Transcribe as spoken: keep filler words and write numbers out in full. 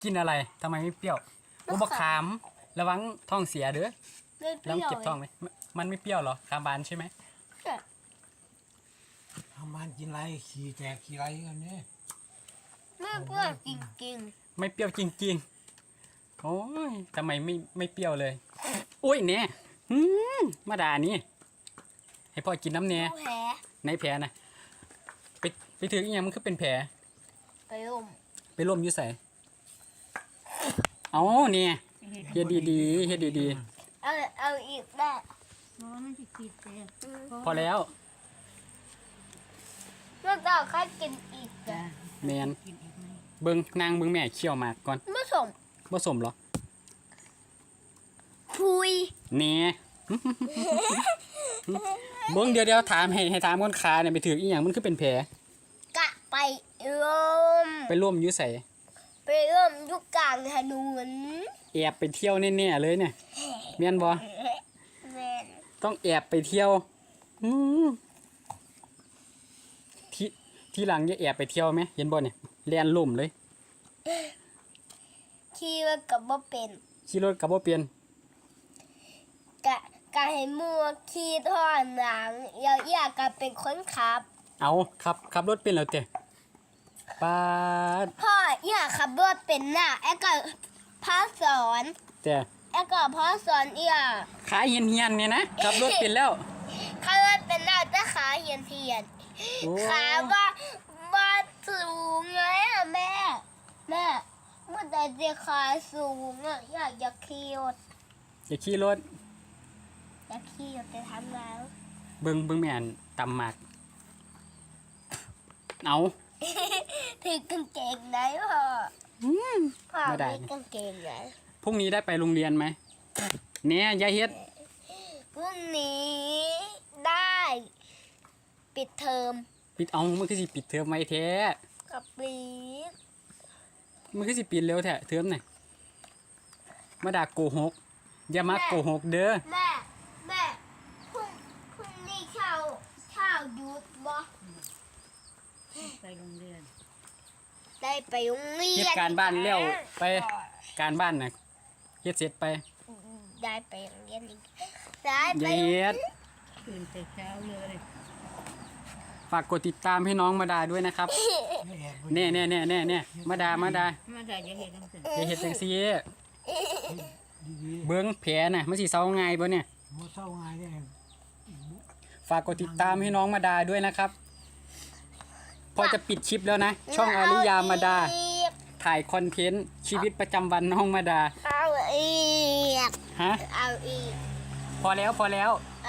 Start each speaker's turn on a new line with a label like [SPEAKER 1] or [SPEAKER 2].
[SPEAKER 1] กินอะไรทำไมไม่เปรี้ยวอุบะขามระวังท้องเสียเด้อแล้วเก็บท้องไหมมันไม่เปรี้ยวหรอขามบานใช่ไหม
[SPEAKER 2] ทำมันกินไรขี่แตกขี่ไรกันเนี่ย
[SPEAKER 3] ไม่เปรี้ยวจริง
[SPEAKER 1] ไม่เปรี้ยวจริงๆโอ้ยทำไมไม่ไม่เปรี้ยวเลยโอ้ยเนี่ยอืมมาด่านี่ให้พ่อกินน้ำ
[SPEAKER 3] ๆ
[SPEAKER 1] เนี่ย
[SPEAKER 3] แผล
[SPEAKER 1] ในแผลนะไปไปถืออีกอย่างมันคือเป็นแผล
[SPEAKER 3] ไปร่ม
[SPEAKER 1] ไปร่วมอยุ่ใส่เอาเนี่ยเฮ็ดดีๆเฮ็ดดี
[SPEAKER 3] เอาเอาอีกได้
[SPEAKER 4] มันจะกินแต่
[SPEAKER 1] ๆพอแล้ว
[SPEAKER 3] แล้วจะเอาใครกินอีกอ่ะ
[SPEAKER 1] แมน
[SPEAKER 4] กินอีกไหม
[SPEAKER 1] เบิ้งนางเบิ้งแม่เคี่ยวหมากก่อน
[SPEAKER 3] ไม่สม
[SPEAKER 1] ผสมเหรอ
[SPEAKER 3] พุย
[SPEAKER 1] เนี่ย เบิ้งเดี๋ยวเดี๋ยวถามให้ให้ถามคนขาเนี่ยไปถืออีหยังมันคือเป็นแผล
[SPEAKER 3] กะไปร่ม
[SPEAKER 1] ไปร่วมอยุ่ใส่
[SPEAKER 3] ไปร่มยุกกลางถนน
[SPEAKER 1] แอบไปเที่ยวแน่ๆเลยเนี่ยแม่นบ่
[SPEAKER 3] แม่น
[SPEAKER 1] ต้องแอบไปเที่ยวอืมที่ที่หลังจะแอบไปเที่ยวไหมเห็นบ่เนี่ยแล่นล่มเลย
[SPEAKER 3] ขี่รถกับบ่เป็น
[SPEAKER 1] ขี่รถกับบ่เปลี่ยน
[SPEAKER 3] กะกะให้มัวขี่ท่อหนังเอียวเอียกะเป็นคนขับ
[SPEAKER 1] เอาขับขับรถเป็นแล้วเต้ปาด
[SPEAKER 3] พ่อเอียขับรถเป็นน่ะไอ้ก็พาสอน
[SPEAKER 1] แต่
[SPEAKER 3] ไอ้ก็พาสอนเอีย
[SPEAKER 1] ขาเฮียนเฮียนๆเนี่ยนะขับรถเป็นแล้ว
[SPEAKER 3] ขับรถเป็นน่ะแต่ขาเหียนเทียน
[SPEAKER 1] โอ้
[SPEAKER 3] ขาว่าว่าสูงไงอะแม่ แม่เมื่อแต่จะขาสูงอะอยากจะขี่รถ
[SPEAKER 1] อย่าขี่รถ
[SPEAKER 3] อยากขี่รถจะทำแล้ว
[SPEAKER 1] เบิ่งเบิ่งแม่นตำหมากเอา
[SPEAKER 3] ถือกางเกงไหนพ่อพ่อ
[SPEAKER 1] ไม่ได้
[SPEAKER 3] มีกางเกงไหน
[SPEAKER 1] พรุ่งนี้ได้ไปโรงเรียนไหมเนี่ยยายเฮ็ด
[SPEAKER 3] พรุ่งนี้ได้ ปิดเทอม
[SPEAKER 1] ปิดเอามันคือสิปิดเทอมไว้แท้
[SPEAKER 3] กับปี
[SPEAKER 1] มันคือสิปิดเร็วแท้เทอมน่ะมาด่าโกหกอย่ามาโกหกเด้อ
[SPEAKER 3] แม่แม่พรุ่งพรุ่งนี้เช้าเช้าหยุดบ่
[SPEAKER 4] ไปโรงเรียน
[SPEAKER 3] ได้ไปโรงเรียน
[SPEAKER 1] เฮ็ดการบ้านแล้วไปการบ้านน่ะเฮ็ดเสร็จไป
[SPEAKER 3] ได้ไปโรงเรียนอีกได้ไป
[SPEAKER 1] ยายเฮ็ด
[SPEAKER 4] ตื่นแต่เช้าเลย
[SPEAKER 1] ฝากกดติดตามให้น้องมาดาด้วยนะครับ
[SPEAKER 2] ไม่แอบ
[SPEAKER 1] แน่แน่แน่แน่แน่มาดามาดา
[SPEAKER 4] มาได้จะเห็นทั้งสิ้น
[SPEAKER 1] อย่าเฮ็ดจังซี่
[SPEAKER 2] ดี
[SPEAKER 1] เบิ่งแผลน่ะมันสิเซาง่ายบ่เนี่ย
[SPEAKER 2] ๆมัวเศร้าไงเนี่ย
[SPEAKER 1] ฝากกดติดตามให้น้องมาดาด้วยนะครับ พอจะปิดคลิปแล้วนะ ช่องอาริยามาดา
[SPEAKER 3] อีก
[SPEAKER 1] ถ่ายคอนเทนต์ชีวิตประจำวันน้องมาดา
[SPEAKER 3] เอาอีก
[SPEAKER 1] ฮะ
[SPEAKER 3] เอาอีก
[SPEAKER 1] พอแล้วพอแล้ว
[SPEAKER 3] เ